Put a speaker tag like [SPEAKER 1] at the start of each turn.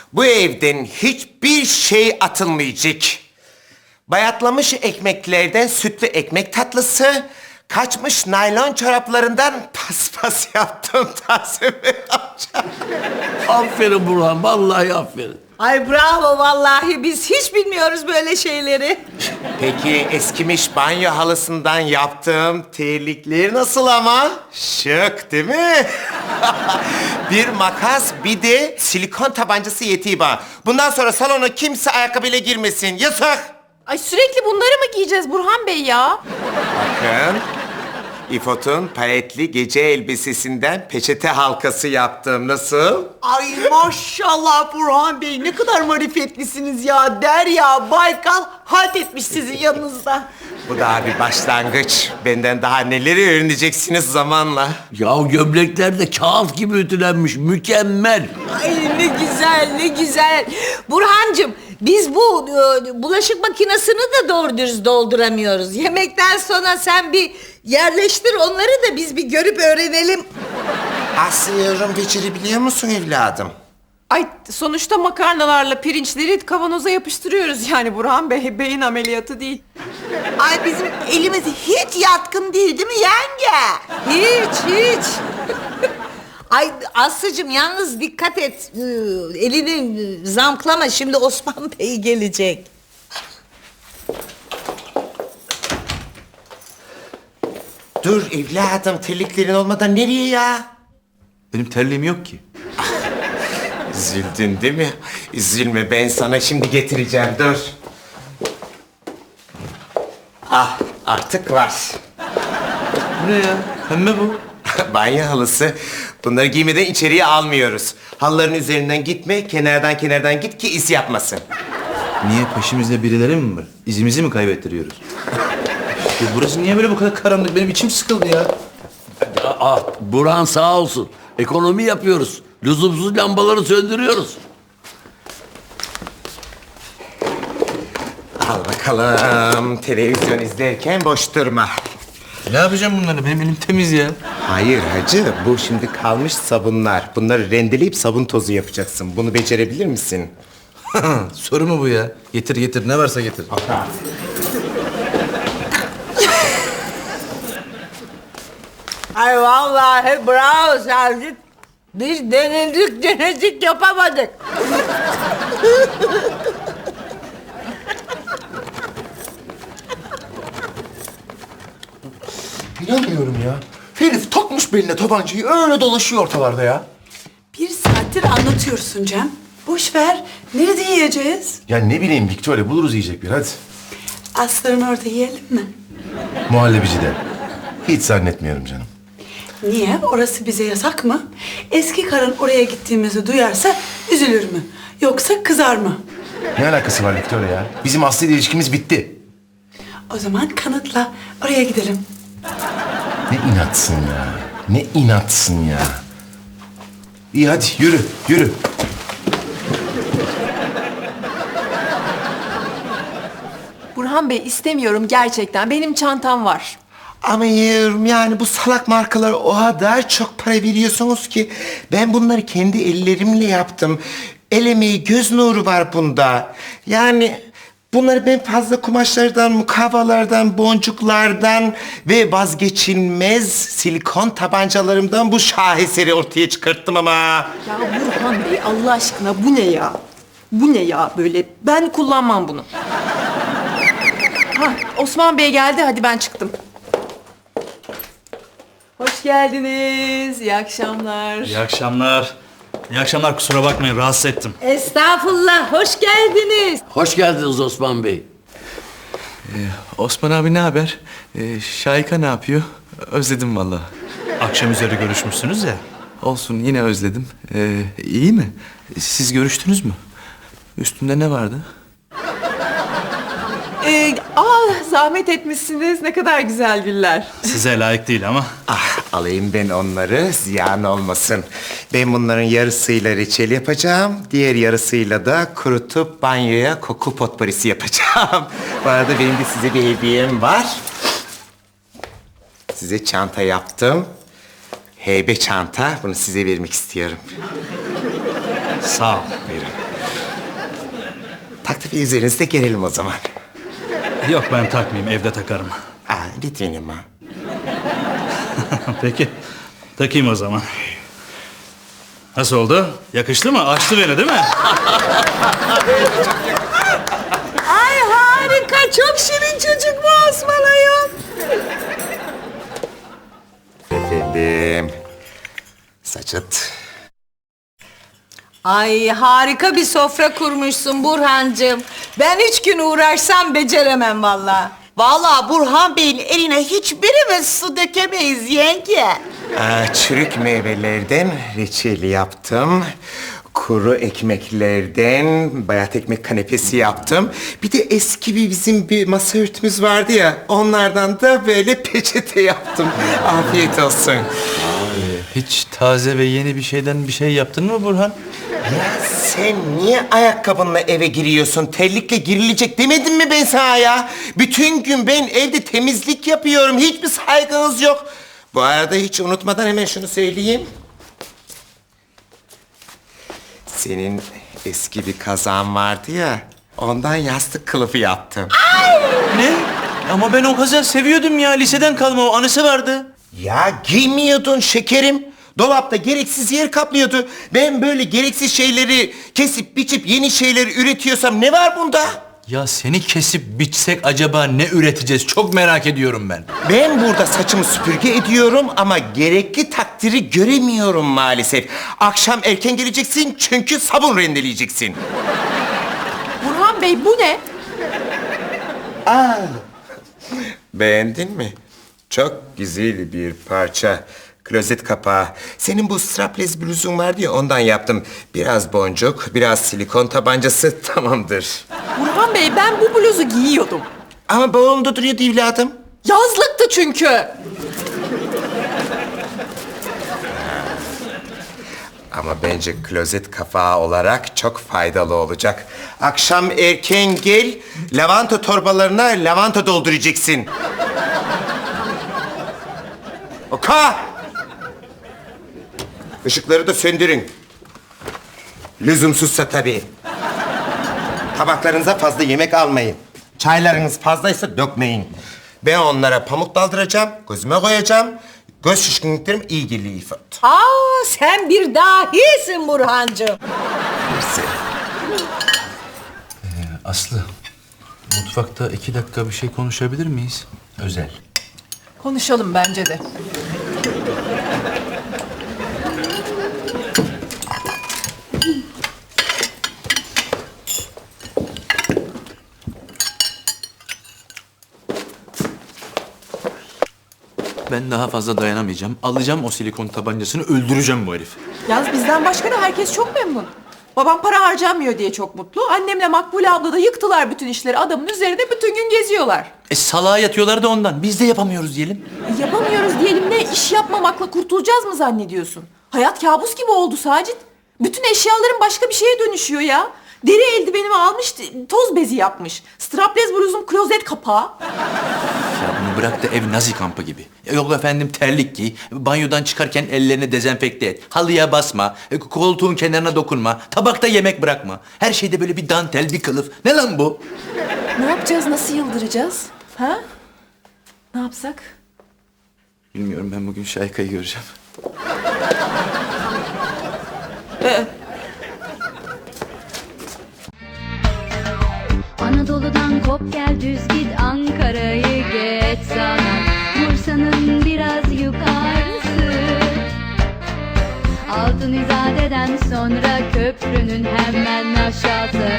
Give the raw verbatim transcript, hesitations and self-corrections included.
[SPEAKER 1] Bu evden hiçbir şey atılmayacak. Bayatlamış ekmeklerden sütlü ekmek tatlısı, kaçmış naylon çoraplarından paspas yaptım Tahsin Bey amca.
[SPEAKER 2] Aferin Burhan, vallahi aferin.
[SPEAKER 3] Ay bravo vallahi biz hiç bilmiyoruz böyle şeyleri.
[SPEAKER 1] Peki eskimiş banyo halısından yaptığım terlikler nasıl ama? Şık değil mi? Bir makas bir de silikon tabancası yetiyor bana. Bundan sonra salona kimse ayakkabıyla girmesin. Yasak!
[SPEAKER 4] Ay sürekli bunları mı giyeceğiz Burhan Bey ya?
[SPEAKER 1] Bakın, İfot'un paletli gece elbisesinden peçete halkası yaptım. Nasıl?
[SPEAKER 3] Ay maşallah Burhan Bey ne kadar marifetlisiniz ya. Derya Baykal halt etmiş sizin yanınızda.
[SPEAKER 1] Bu daha bir başlangıç. Benden daha neleri öğreneceksiniz zamanla.
[SPEAKER 2] Ya gömlekler de kağıt gibi ütülenmiş, mükemmel.
[SPEAKER 3] Ay ne güzel ne güzel. Burhancığım biz bu e, bulaşık makinesini de doğru dürüst dolduramıyoruz. Yemekten sonra sen bir yerleştir onları da biz bir görüp öğrenelim.
[SPEAKER 1] Aslı yorum becerebiliyor musun evladım?
[SPEAKER 4] Ay sonuçta makarnalarla pirinçleri kavanoza yapıştırıyoruz yani Burhan Bey. Beyin ameliyatı değil.
[SPEAKER 3] Ay bizim elimiz hiç yatkın değil değil mi yenge? Hiç hiç. Ay Aslı'cığım yalnız dikkat et. Ee, Elini zamklama şimdi Osman Bey gelecek.
[SPEAKER 1] Dur evladım, terliklerin olmadan nereye ya?
[SPEAKER 5] Benim terliğim yok ki.
[SPEAKER 1] Üzüldün değil mi? Üzülme, ben sana şimdi getireceğim, dur. Ah, artık var.
[SPEAKER 5] Bu ne ya? Pembe bu.
[SPEAKER 1] Banyo halısı. Bunları giymeden içeriye almıyoruz. Halıların üzerinden gitme, kenardan kenardan git ki iz yapmasın.
[SPEAKER 5] Niye, peşimizde birileri mi var? İzimizi mi kaybettiriyoruz? Ya burası niye böyle bu kadar karanlık? Benim içim sıkıldı ya.
[SPEAKER 2] Aa, Burhan sağ olsun. Ekonomi yapıyoruz. Lüzumsuz lambaları söndürüyoruz.
[SPEAKER 1] Al bakalım, televizyon izlerken boş durma.
[SPEAKER 5] Ne yapacağım bunları? Benim elim temiz ya.
[SPEAKER 1] Hayır hacı, bu şimdi kalmış sabunlar. Bunları rendeleyip sabun tozu yapacaksın. Bunu becerebilir misin?
[SPEAKER 5] Soru mu bu ya? Getir getir, ne varsa getir.
[SPEAKER 3] Ay vallahi bravo Sergit. Biz denedik denedik yapamadık.
[SPEAKER 6] İnanmıyorum ya. Herif takmış beline tabancayı öyle dolaşıyor ortalarda ya.
[SPEAKER 7] Bir saattir anlatıyorsun Cem. Boş ver. Nerede yiyeceğiz?
[SPEAKER 6] Ya ne bileyim Victoria, buluruz yiyecek bir hadi.
[SPEAKER 7] Aslı'nın orada yiyelim mi?
[SPEAKER 6] Muhallebicide. Hiç zannetmiyorum canım.
[SPEAKER 7] Niye? Orası bize yasak mı? Eski karın oraya gittiğimizi duyarsa üzülür mü? Yoksa kızar mı?
[SPEAKER 6] Ne alakası var Victoria ya? Bizim Aslı ile ilişkimiz bitti.
[SPEAKER 7] O zaman kanıtla. Oraya gidelim.
[SPEAKER 6] Ne inatsın ya. Ne inatsın ya. İyi hadi yürü, yürü.
[SPEAKER 4] Burhan Bey istemiyorum gerçekten. Benim çantam var.
[SPEAKER 1] Ama yavrum yani bu salak markalar o kadar çok para veriyorsunuz ki ben bunları kendi ellerimle yaptım. El emeği, göz nuru var bunda. Yani bunları ben fazla kumaşlardan, mukavvalardan, boncuklardan ve vazgeçilmez silikon tabancalarımdan bu şaheseri ortaya çıkarttım ama.
[SPEAKER 4] Ya Burhan Bey Allah aşkına bu ne ya? Bu ne ya böyle? Ben kullanmam bunu. Ha, Osman Bey geldi hadi ben çıktım. Hoş geldiniz. İyi akşamlar.
[SPEAKER 8] İyi akşamlar. İyi akşamlar, kusura bakmayın rahatsız ettim.
[SPEAKER 3] Estağfurullah hoş geldiniz.
[SPEAKER 2] Hoş geldiniz Osman Bey.
[SPEAKER 5] Osman abi ne haber? Ee, Şahika ne yapıyor? Özledim vallahi.
[SPEAKER 8] Akşam üzeri görüşmüşsünüz ya.
[SPEAKER 5] Olsun, yine özledim. Ee, iyi mi? Siz görüştünüz mü? Üstünde ne vardı?
[SPEAKER 4] Ee, aa, zahmet etmişsiniz. Ne kadar güzel güller.
[SPEAKER 8] Size layık değil ama.
[SPEAKER 1] Ah, alayım ben onları, ziyan olmasın. Ben bunların yarısıyla reçel yapacağım, diğer yarısıyla da kurutup banyoya koku potporisi yapacağım. Bu arada benim de size bir hediyem var. Size çanta yaptım. Heybe çanta, bunu size vermek istiyorum.
[SPEAKER 8] Sağ ol.
[SPEAKER 1] Buyurun. taktık üzerinizde gelelim o zaman.
[SPEAKER 8] Yok ben takmayayım, evde takarım.
[SPEAKER 1] Aa, lütfen ama.
[SPEAKER 8] Peki, takayım o zaman. Nasıl oldu? Yakıştı mı? Açtı beni değil mi?
[SPEAKER 3] Ay harika, çok şirin çocuk bu Osman ayol.
[SPEAKER 1] Efendim. Saçıt.
[SPEAKER 3] Ay harika bir sofra kurmuşsun Burhancığım. Ben üç gün uğraşsam beceremem vallahi.
[SPEAKER 1] Vallahi Burhan Bey'in eline hiçbirimiz su dökemeyiz yenge. Aa, çürük meyvelerden reçel yaptım. Kuru ekmeklerden bayat ekmek kanepesi yaptım. Bir de eski bir bizim bir masa örtümüz vardı ya. Onlardan da böyle peçete yaptım. Afiyet olsun.
[SPEAKER 5] Hiç taze ve yeni bir şeyden bir şey yaptın mı Burhan?
[SPEAKER 1] Ya sen niye ayakkabınla eve giriyorsun? Terlikle girilecek demedim mi ben sana ya? Bütün gün ben evde temizlik yapıyorum. Hiçbir saygınız yok. Bu arada hiç unutmadan hemen şunu söyleyeyim. Senin eski bir kazan vardı ya. Ondan yastık kılıfı yaptım.
[SPEAKER 5] Ne? Ama ben o kazan seviyordum ya. Liseden kalma o anısı vardı.
[SPEAKER 1] Ya giymiyordun şekerim. Dolapta gereksiz yer kaplıyordu. Ben böyle gereksiz şeyleri kesip biçip yeni şeyleri üretiyorsam ne var bunda?
[SPEAKER 5] Ya seni kesip biçsek acaba ne üreteceğiz? Çok merak ediyorum ben.
[SPEAKER 1] Ben burada saçımı süpürge ediyorum ama gerekli takdiri göremiyorum maalesef. Akşam erken geleceksin çünkü sabun rendeleyeceksin.
[SPEAKER 4] Burhan Bey bu ne?
[SPEAKER 1] Beğendin mi? Çok güzel bir parça. Klozet kapağı. Senin bu strapless bluzun vardı ya ondan yaptım. Biraz boncuk, biraz silikon tabancası tamamdır.
[SPEAKER 4] Burhan Bey ben bu bluzu giyiyordum.
[SPEAKER 1] Ama bağımda duruyordu evladım.
[SPEAKER 4] Yazlıktı çünkü.
[SPEAKER 1] Ama bence klozet kapağı olarak çok faydalı olacak. Akşam erken gel, lavanta torbalarına lavanta dolduracaksın. Oka! Işıkları da söndürün. Lüzumsuzsa tabii. Tabaklarınıza fazla yemek almayın. Çaylarınız fazlaysa dökmeyin. Ben onlara pamuk daldıracağım, gözüme koyacağım. Göz şişkinliklerim iyi geliyor İfot.
[SPEAKER 3] Aa sen bir dahisin Burhancığım.
[SPEAKER 5] Aslı, mutfakta iki dakika bir şey konuşabilir miyiz? Özel.
[SPEAKER 4] Konuşalım bence de.
[SPEAKER 5] Ben daha fazla dayanamayacağım. Alacağım o silikon tabancasını, öldüreceğim bu herifi.
[SPEAKER 4] Yalnız bizden başka da herkes çok memnun. Babam para harcanmıyor diye çok mutlu. Annemle Makbule abla da yıktılar bütün işleri. Adamın üzerinde bütün gün geziyorlar.
[SPEAKER 5] E salağa yatıyorlar da ondan. Biz de yapamıyoruz diyelim.
[SPEAKER 4] E, yapamıyoruz diyelim ne iş yapmamakla kurtulacağız mı zannediyorsun? Hayat kabus gibi oldu Sacit. Bütün eşyaların başka bir şeye dönüşüyor ya. Deri eldivenimi almış, toz bezi yapmış. Strapless bluzum klozet kapağı.
[SPEAKER 5] Ya bunu bırak da ev Nazi kampı gibi. E, Yok efendim terlik giy, banyodan çıkarken ellerini dezenfekte et, halıya basma, e, koltuğun kenarına dokunma, tabakta yemek bırakma. Her şeyde böyle bir dantel, bir kılıf. Ne lan bu?
[SPEAKER 4] Ne yapacağız, nasıl yıldıracağız? Ha? Ne yapsak?
[SPEAKER 5] Bilmiyorum, ben bugün Şayka'yı göreceğim.
[SPEAKER 4] Ee,
[SPEAKER 9] Anadolu'dan kop gel düz git Ankara'yı geç sana Bursa'nın biraz yukarısı Altın İzade'den sonra köprünün hemen aşağısı